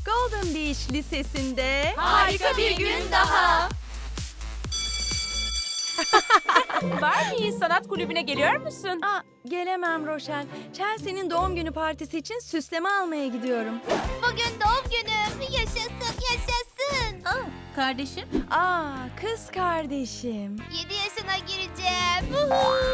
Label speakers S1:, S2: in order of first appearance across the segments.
S1: Golden Beach Lisesi'nde
S2: Harika bir gün daha. Barbie, sanat kulübüne geliyor musun?
S1: Gelemem Rochelle. Chelsea'nin doğum günü partisi için süsleme almaya gidiyorum.
S3: Bugün doğum günüm. Yaşasın, yaşasın.
S4: Kardeşim,
S1: Kız kardeşim.
S3: 7 yaşına gireceğim.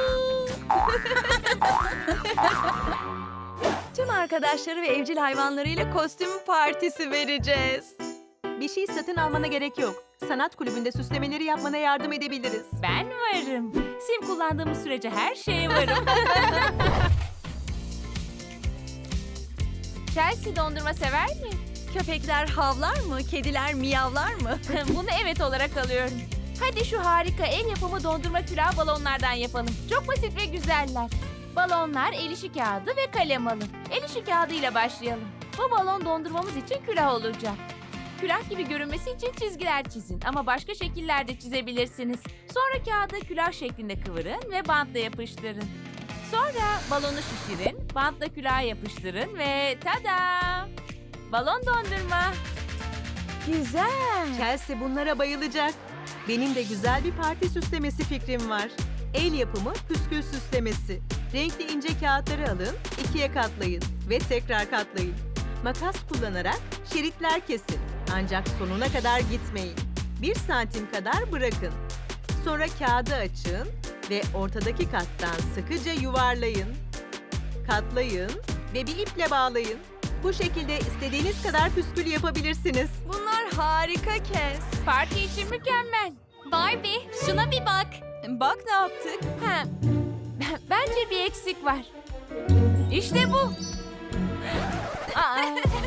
S1: Tüm arkadaşları ve evcil hayvanlarıyla kostüm partisi vereceğiz.
S5: Bir şey satın almana gerek yok. Sanat kulübünde süslemeleri yapmana yardım edebiliriz.
S2: Ben varım. Sim kullandığımız sürece her şeye varım. Chelsea dondurma sever mi?
S1: Köpekler havlar mı? Kediler miyavlar mı?
S2: Bunu evet olarak alıyorum. Hadi şu harika el yapımı dondurma külah balonlardan yapalım. Çok basit ve güzeller. Balonlar, el işi kağıdı ve kalem alın. El işi kağıdıyla başlayalım. Bu balon dondurmamız için külah olacak. Külah gibi görünmesi için çizgiler çizin ama başka şekiller de çizebilirsiniz. Sonra kağıdı külah şeklinde kıvırın ve bantla yapıştırın. Sonra balonu şişirin, bantla külaha yapıştırın ve tada! Balon dondurma.
S1: Güzel.
S5: Chelsea bunlara bayılacak. Benim de güzel bir parti süslemesi fikrim var. El yapımı püskül süslemesi. Renkli ince kağıtları alın, ikiye katlayın ve tekrar katlayın. Makas kullanarak şeritler kesin. Ancak sonuna kadar gitmeyin. 1 santim kadar bırakın. Sonra kağıdı açın ve ortadaki kattan sıkıca yuvarlayın. Katlayın ve bir iple bağlayın. Bu şekilde istediğiniz kadar püskül yapabilirsiniz.
S1: Bunlar harika Kes.
S2: Parti için mükemmel.
S3: Barbie, şuna bir bak.
S1: Bak ne yaptık.
S2: Ha, bence bir eksik var. İşte bu. Aa.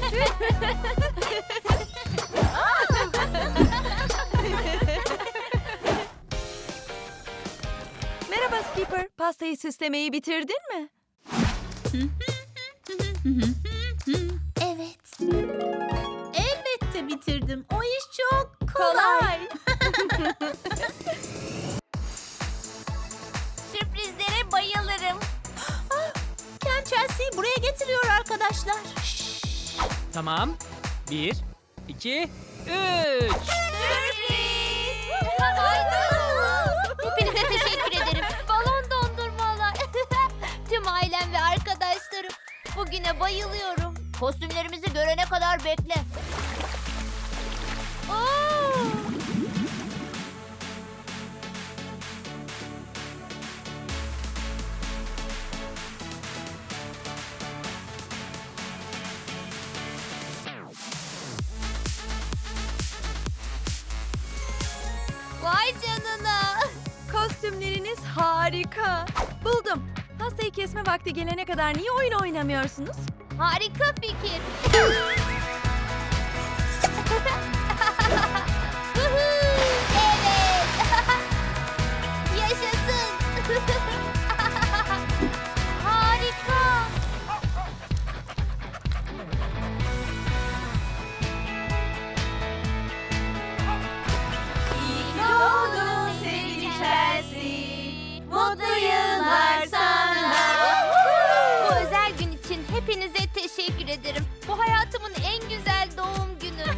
S1: Merhaba Skipper. Pastayı süslemeyi bitirdin mi?
S3: Evet.
S4: elbette bitirdim. O iş çok
S1: Kolay.
S3: Sürprizlere bayılırım.
S4: Ken Chelsea'yi buraya getiriyor arkadaşlar.
S6: Tamam. 1, 2, 3.
S3: Sürpriz! Hepinize teşekkür ederim. Balon dondurmalar. Tüm ailem ve arkadaşlarım. Bugüne bayılıyorum. Kostümlerimizi görene kadar bekle. Oo! Vay canına.
S1: Kostümleriniz harika. Buldum. Pastayı kesme vakti gelene kadar niye oyun oynamıyorsunuz?
S3: Harika fikir. Evet. Yaşasın. Harika.
S1: İyi ki doğdun sevgili Chelsea. Mutlu yıllar sana.
S3: Bu özel gün için hepinize teşekkür ederim. Bu hayatımın en güzel doğum günü.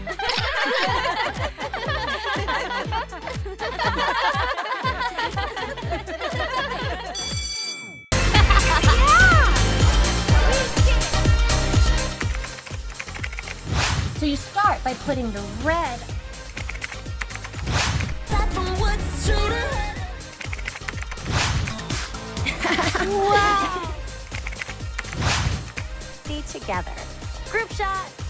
S7: So you start by putting the red
S3: Wow.
S7: together. Group shot.